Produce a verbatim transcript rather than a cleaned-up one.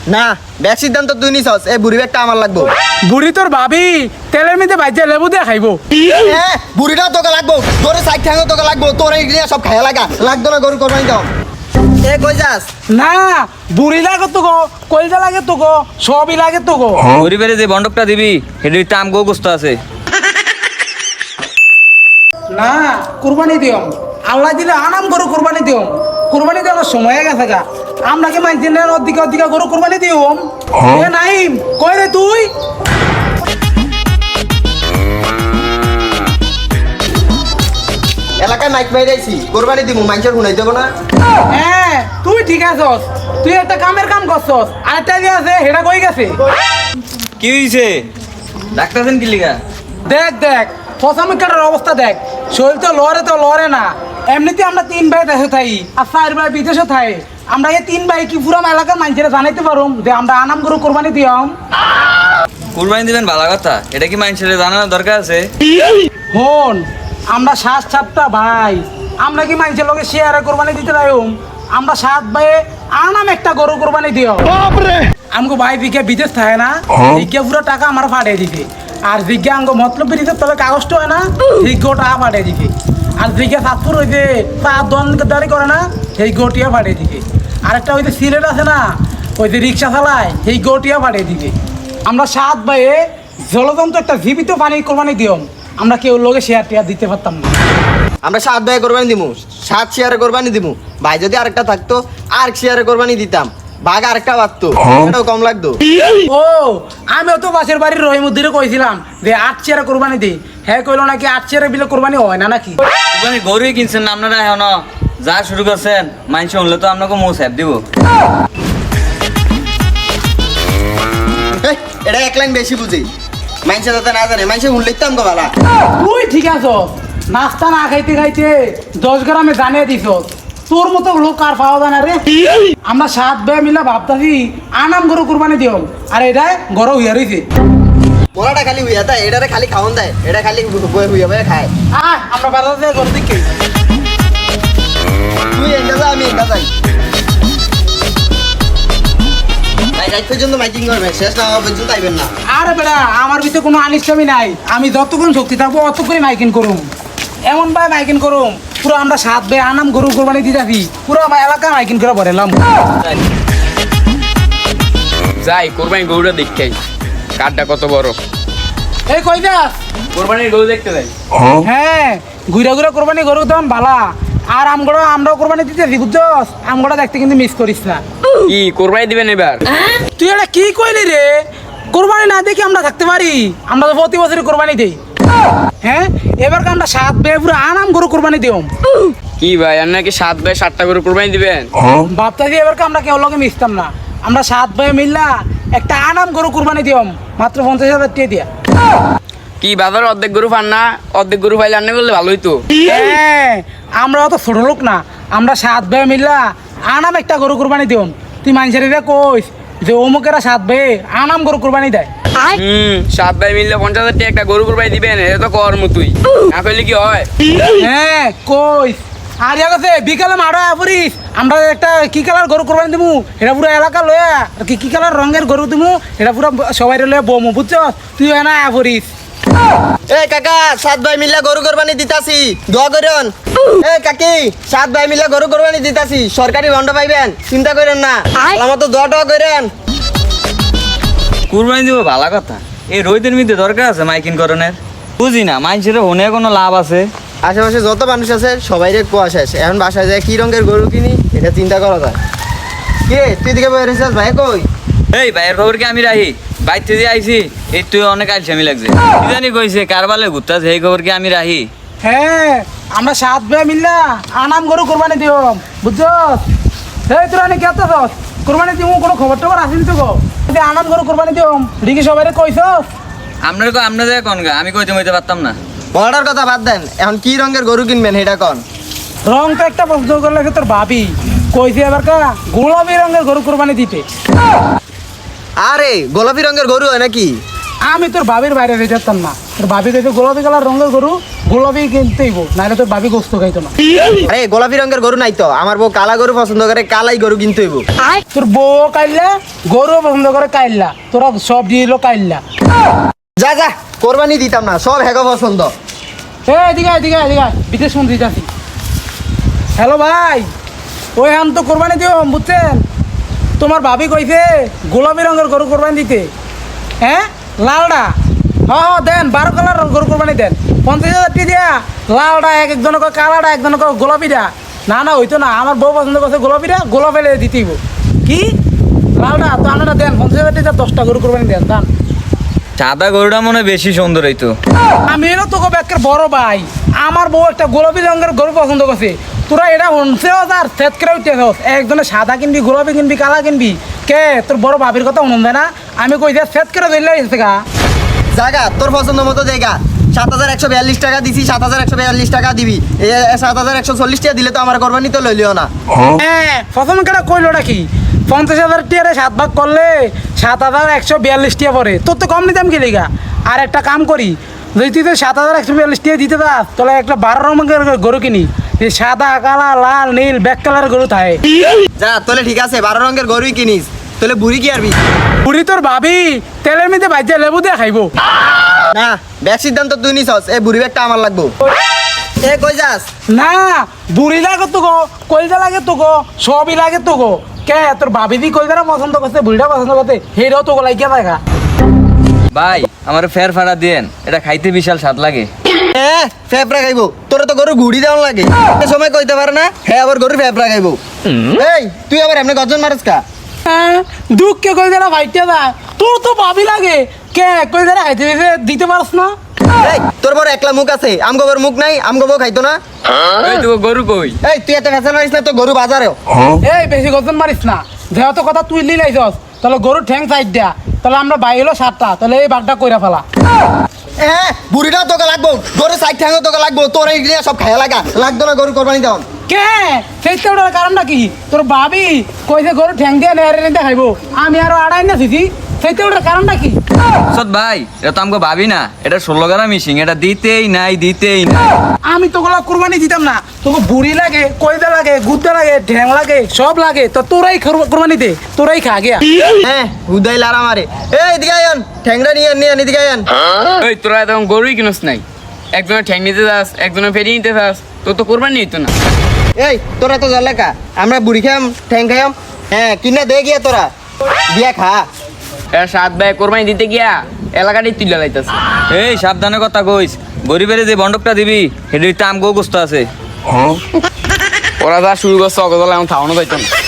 না ব্যাগ সিদ্ধান্ত তুই নিছস, এই বুড়ি ব্যাগটা আমার লাগবো। বুড়ি তোর ভাবি তেলের মধ্যে ভাইজা লেবু দিয়ে খাইবো। হ্যাঁ বুড়িটা তোকে লাগবো, তোর সাইড ঠ্যাঙ্গও তোকে লাগবো, তোর এই সব খাইয়া লাগা লাগতো না গরু কোরবানি দাও। এ কই যাস? না বুড়ি লাগে তো গো, কলজা লাগে তো গো, সবই লাগে তো গো। গরিবের যে বন্ডকটা দিবি সেটির দাম গো গোস্ত আছে। না কুরবানি দিও, আল্লাহ দিলে আনাম গরু কুরবানি দিও। কুরবানি দেওয়ার সময় হয়ে গেছে গা, আমরা কি মানছি না অধিকা অধিকা গরু কুরবানি দিও? এ নাইম কই রে তুই? এলাকায় মাইক মাইরাইছি, কোরবানি দিমু, মাইকের শুনাই দেবো না। হ্যাঁ তুই ঠিক আছস, তুই একটা কামের কাম করছস, আরেকটা যে আছে হেটা কই গেছে? কি হয়েছে ডাক্তারছেন কি লিগা? দেখ দেখ ফসামিকার অবস্থা দেখ, শরীর তো লড়ে তো লড়ে না। এমনিতে আমরা তিন ভাই দেশে থাই আর চার ভাই বিদেশে থাই। আমরা এই তিন ভাই কি পুরো এলাকার মানুষেরা জানাইতে পারুম যে আমরা আনাম গরু কোরবানি দিয়াম। কুরবানি দিবেন ভালো কথা, এটা কি মানুষের জানানোর দরকার আছে? হন আমরা সাত সাতটা ভাই, আমরা কি মানুষের লোকে শেয়ারে কোরবানি দিতে পারুম? আমরা সাত ভাই আনাম একটা গরু কোরবানি দিও। আমগো ভাই দিকে বিদেশ থাকে না, দিকে পুরো টাকা আমার ফাটিয়ে দিকে। আর দিকে আমগো মতলব বিদেশের তলে কাগজটা হয় না, দিকে টাকা ফাটিয়ে দিকে। আর দিকে সাতপুর ওই যে তার দোকানদারি করে না, সেই গোটিয়া ফাটিয়ে দিকে। আরেকটা ওই যে সিলেট আছে না, ওই যে রিক্সা চালায়, সেই গোটিয়া ফাটিয়ে দিকে। আমরা সাত ভাইয়ে জলযন্ত্র একটা জীবিত পানি কোরবানি দিও, আমরা কেউ লোকে শেয়ার টেয়ার দিতে পারতাম না। আমরা সাত ভাই কোরবানি দিমু, সাত শেয়ারে কোরবানি দিমু। ভাই যদি আরেকটা থাকতো আর শেয়ারে কোরবানি দিতাম, ভাগ আরেকটা বাড়তো, এটাও কম লাগতো। ও আমিও তো পাশের বাড়ির রহিমুদ্দিরে কইছিলাম যে আট চেয়ারে কোরবানি দিই, হ্যাঁ কইলো নাকি আট চেয়ারে বিলে কোরবানি হয় না নাকি। কুরবানি গরুই কিনছেন না আপনারা এখন, যা শুরু করছেন মানুষ শুনলে তো আপনাকে মৌ স্যাপ দিব। এই, এটা এক লাইন বেশি বুঝি, মাইনসে যাতে না জানে, মাইনসে শুনলেই তো আমগো ভালা। তুই ঠিক আছো, নাস্তা না খাইতে খাইতে দশ গ্রামে জানিয়ে দিছ, তোর মতো লোক আর পাওয়া যায় না রে। আমরা সাত ভাই মিলে ভাবতাছি আনাম গরু কোরবানি দিও, আর এটা গরু হইয়া রইছে। মোলাটা খালি হইয়া দেয়, এটারে খালি খাওয়ান দেয়, এটা খালি বয়ে হইয়া বয়ে খায়। আয় আমরা বাজারে গরু দিকে। তুই এনটা যা, আমি এনটা যাই। ভাই রাত পর্যন্ত মাইকিং করবে, শেষ না হওয়া পর্যন্ত আইবেন না। আরে বেটা আমার ভিতরে কোনো আনিষ্টামি নাই, আমি যতক্ষণ শক্তি থাকবো অতক্ষণই মাইকিং করুম। এমন ভাই মাইকিং করুম পুরো আমরা সাত ভাই আনাম গরু কোরবানি দিতেছি, পুরো আমার এলাকা মাইকিং করে ভরেলাম। যাই কোরবানি গরুটা দেখতে কাঠটা কত বড়। এই কই যাস? কোরবানির গরু দেখতে যাই। হ্যাঁ ঘুরা ঘুরা কোরবানি গরু তখন ভালা। আর আমগড়া আমরাও কোরবানি দিতেছি বুঝছস, আমগড়া দেখতে কিন্তু মিস করিস না। কি কোরবানি দিবেন এবার? তুই এটা কি কইলি রে? কোরবানি না দেখি আমরা থাকতে পারি? আমরা তো প্রতি বছরই কোরবানি দিই। হ্যাঁ এবার আমরা সাত ভাই পুরো আনাম গরু কোরবানি দিও। কি ভাই আর নাকি সাত ভাই সাতটা গরু কোরবানি দিবেন? ভাবতাছি এবার আমরা কেউ লোকে মিশতাম না, আমরা সাত ভাই মিললা একটা আনাম গরু কোরবানি দিও, মাত্র পঞ্চাশ হাজার টাকা দিয়া। কি বাজার অর্ধেক গরু পান না? অর্ধেক গরু পাইলে আনলে বললে ভালোই তো। হ্যাঁ আমরা অত ছোট লোক না, আমরা সাত ভাই মিললা আনাম একটা গরু কোরবানি দিও। তুই মানুষের কইস যে অমুকেরা সাত ভাই আনাম গরু কোরবানি দেয়। হুম সাত ভাই মিললে পঞ্চাশ হাজার টাকা একটা গরু কোরবানি দিবেন, এটা তো কর্ম তুই না করলে কি হয়? হ্যাঁ কইস। আর আছে বিকালে মারা পড়িস, আমরা একটা কি কালার গরু কোরবানি দিমু, এটা পুরো এলাকা লয়া কি কি কালার রঙের গরু দিমু, এটা পুরো সবাই লয়া বমু বুঝছস। তুই না পড়িস। এই কাকা সাত ভাই মিলে গরু কোরবানি দিতাছি, দোয়া করেন। এই কাকি সাত ভাই মিলে গরু কোরবানি দিতাছি, সরকারি বন্ড পাইবেন, চিন্তা করেন না, আমার তো দোয়া টোয়া করেন। কুরবানি দিব ভালো কথা, এই রোহিতের মধ্যে দরকার আছে মাইকিং করণের? বুঝি না মানুষের হনে কোনো লাভ আছে? আশেপাশে যত মানুষ আছে সবাই রে কুয়া শেষ, এখন বাসায় যায় কি রঙের গরু কিনি এটা চিন্তা করা যায়। কে তুই দিকে বয়ে রেছিস ভাই? কই এই ভাইয়ের খবর কি আমি রাহি? বাইতে দিয়ে আইছি, এই তুই অনেক আলসামি লাগছে। কি জানি কইছে কারবালে ঘুরতাছে, এই খবর কি আমি রাহি? হ্যাঁ আমরা সাত ভাই মিললা আনাম গরু কোরবানি দিও বুঝছস। এই তোরা নাকি এত কোরবানি দিমু, কোনো খবর টবর আসেনি তো গো? আনাম গরু কোরবানি দিও ঠিকই সবাই কইছস। আপনার কো আপনার যায় কোন গা, আমি কইতে মইতে পারতাম না। বড়ার কথা বাদ দেন, এখন কি রঙের গরু কিনবেন সেটা কন। রং তো একটা প্রশ্ন করলে তোর ভাবি কইছে এবার কা গোলাপি রঙের গরু কোরবানি দিতে। আরে গোলাপি রঙের গরু হয় নাকি? আমি তোর বাবির বাইরে রেখে যেতাম না, তোর বাবি কইছে গোলাপি কালার রঙের গরু গোলাপি কিনতেইব, নাহলে তোর বাবি গোস্ত খাইতো না। আরে গোলাপি রঙের গরু নাই তো, আমার বউ কালা গরু পছন্দ করে, কালাই গরু কিনতে হইব। তোর বউ কাইল্লা, গরু পছন্দ করে কাইল্লা, তোরা সব দিয়ে এলো কাইল্লা। যা যা, কোরবানি দিতাম না, সব হেগো পছন্দ। এ এদিকে আয়, এদিকে আয়, এদিকে আয়, বিদেশ মন্ত্রী যাচ্ছি। হ্যালো ভাই, ওই হান তো কোরবানি দিও বুঝছেন, তোমার ভাবি কইছে গোলাপি রঙের গরু কোরবানি দিতে। হ্যাঁ লালডা, হ হ দেন, বারো কালার গরু কোরবানি দেন, পঞ্চাশ হাজার টি দিয়া। লালডা এক একজন কয় কালাডা, একজন কয় গোলাপিটা। না না হইতো না, আমার বউ পছন্দ করছে গোলাপিটা, গোলাপি দিতেইব। কি লালডা তো আনাটা দেন, পঞ্চাশ হাজার টি দশটা গরু কোরবানি দেন দান। সাদা গরুটা মনে হয় বেশি সুন্দর হইতো। আমি এলো তোকে ব্যাকের বড় ভাই, আমার বউ একটা গোলাপি রঙের গরু পছন্দ করছে, তোরা এটা শুনছেও আর সেট করে উঠতেছ, একজনে সাদা কিনবি, গোলাপি কিনবি, কালা কিনবি। কে তোর বড় ভাবির কথা শুনুন না, আমি কই যে সেট করে ধরলে এসে গা। জায়গা তোর পছন্দ মতো জায়গা, সাত হাজার একশো বিয়াল্লিশ টাকা দিছি, সাত হাজার একশো বিয়াল্লিশ টাকা দিবি। এ সাত হাজার একশো চল্লিশ টাকা দিলে তো আমার কোরবানি তো লইলিও না। হ্যাঁ প্রথম কেটা কইলোটা কি, পঞ্চাশ হাজার টিয়ারে সাত ভাগ করলে সাত হাজার একশো বিয়াল্লিশ টিয়া পরে, তোর তো কম নিতাম গেলি গা। আর একটা কাম করি, যদি তুই তো সাত হাজার একশো বিয়াল্লিশ টিয়া দিতে দাস, তাহলে একটা বারো রঙের গরু কিনি, এই সাদা কালা লাল নীল ব্যাক কালার গরু থাকে। যা তাহলে ঠিক আছে, বারো রঙের গরুই কিনিস, তাহলে বুড়ি কি আরবি? বুড়ি তোর ভাবি তেলের মধ্যে ভাইজা লেবু দিয়ে খাইবো। না ব্যাগ সিদ্ধান্ত তুই নিছস, এই বুড়ি ব্যাগটা আমার লাগবো। এ কই যাস? না বুড়ি লাগে তো গো, কলজা লাগে তো গো, সবই লাগে তো গো। কে তোর ভাবি দি কলজাটা পছন্দ করছে, বুড়িটা পছন্দ করছে, হেরাও তো লাগিয়ে দেখা। ভাই আমার ফের ফাড়া দিয়েন, এটা খাইতে বিশাল স্বাদ লাগে। হ্যাঁ ফেফড়া খাইবো, তোরা তো গরু ঘুড়ি দেওয়ান লাগে, এ সময় কইতে পারে না হ্যাঁ আবার গরু ফেফড়া খাইবো। এই তুই আবার এমনি গর্জন মারস কা? হ্যাঁ দুঃখে কলজাটা ভাইটা দা, তোর তো ভাবি লাগে, কে কলজাটা খাইতে দিতে দিতে পারস না? এই তোর বড় একলা মুখ আছে, আমগো বড় মুখ নাই, আমগো বউ খাইতো না। এই তো গরু কই? এই তুই এত ফেসাল মারিস না, তো গরু বাজারেও। এই বেশি গর্জন মারিস না, যেহেতু কথা তুই লিলাইছস, তাহলে গরুর ঠ্যাং সাইড দেয়া, তাহলে আমরা বাই হলো সাতটা, তাহলে এই বাঘটা কইরা ফেলা। হ্যাঁ বুড়িটাও তোকে লাগবো, গরু সাইড ঠ্যাংও তোকে লাগবো, তোর এই নিয়ে সব খাইয়া লাগা লাগতো না গরু কোরবানি দেওয়ান। কে সেইটা ওটার কারণটা কি, তোর ভাবি কইছে গরু ঠ্যাং দিয়ে নেড়ে নেড়ে খাইবো, আমি আরো আড়াই না দিছি, সেইটা ওটার কারণটা কি? সৎ ভাই এটা তো আমাকে ভাবি না, এটা ষোলো গ্রাম মিশিং, এটা দিতেই নাই দিতেই নাই। আমি তো গোলা কুরবানি দিতাম না, তোকে বুড়ি লাগে, কয়দা লাগে, গুদ্দা লাগে, ঢ্যাং লাগে, সব লাগে, তো তোরাই কুরবানি দে, তোরাই খা গিয়া। হ্যাঁ হুদাই লারা মারে। এই এদিকে আয়ন, ঠ্যাংরা নিয়ে নিয়ে এদিকে আয়ন। ওই তোরা তখন গরুই কিনস নাই, একজনের ঠ্যাং নিতে যাস, একজনের ফেরি নিতে যাস, তোর তো কোরবানি হইতো না। এই তোরা তো জল লেখা, আমরা বুড়ি খাম ঠ্যাং খাইম, হ্যাঁ কিনা দে গিয়া তোরা দিয়া খা। এরা সাত ভাই কোরবানি দিতে গিয়া এলাকাটাই তুলে লাইতেছে। এই সাবধানে কথা কইস, গরিবের যে বন্ডকটা দিবি সেটির তো আমগো গোস্ত আছে। ওরা যা শুরু করছে অগদলা এখন থামানো যাইতো না।